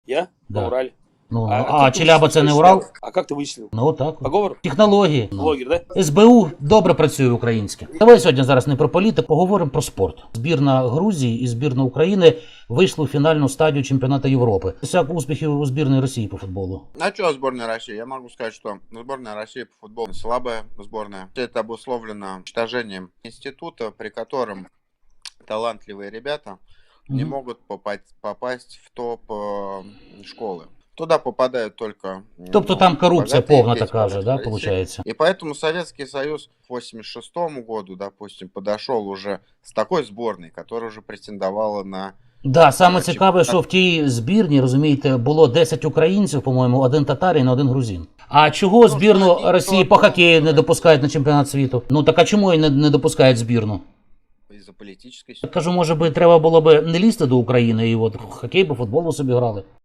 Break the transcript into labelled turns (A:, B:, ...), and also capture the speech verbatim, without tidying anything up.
A: Я?
B: Да.
A: На Урале.
B: Ну,
A: А,
B: а,
A: как ты
B: Челяба
A: вычислил,
B: це не
A: что
B: Урал?
A: я- А как ты вычислил?
B: Ну отак.
A: По говору?
B: Технології. Ну.
A: Блогер, да?
B: ес бе у добре працює українське. Давай сьогодні зараз не про політику, поговоримо про спорт. Збірна Грузії і збірна України вийшли у фінальну стадію чемпіонату Європи. Всяк успіхів у збірної Росії по футболу.
C: А что сборная России? Я могу сказать, что сборная России по футболу слабая сборная. Это обусловлено уничтожением института, при котором талантливые ребята не
B: Мгм.
C: могут попасть, попасть в топ э, школы. Туда попадают только...
B: Тобто
C: ну,
B: там корупція
C: богатые
B: повна
C: дети,
B: така же, да,
C: богатые
B: виходить?
C: И поэтому Советский Союз к восемьдесят шестому году, допустим, подошел уже с такой сборной, которая уже претендовала на...
B: Да, саме
C: на
B: цікаве,
C: чемпіонат.
B: що в тій збірні, розумієте, було десять українців, по-моєму, один татарин, один грузин. А чого збірну
C: що один,
B: Росії
C: то
B: по
C: один.
B: хокею не допускають на чемпіонат світу? Ну так а чому і не, не допускають збірну?
C: Из-за политической
B: Я кажу, може би треба було би не лізти до України і от хокей по футболу собі грали.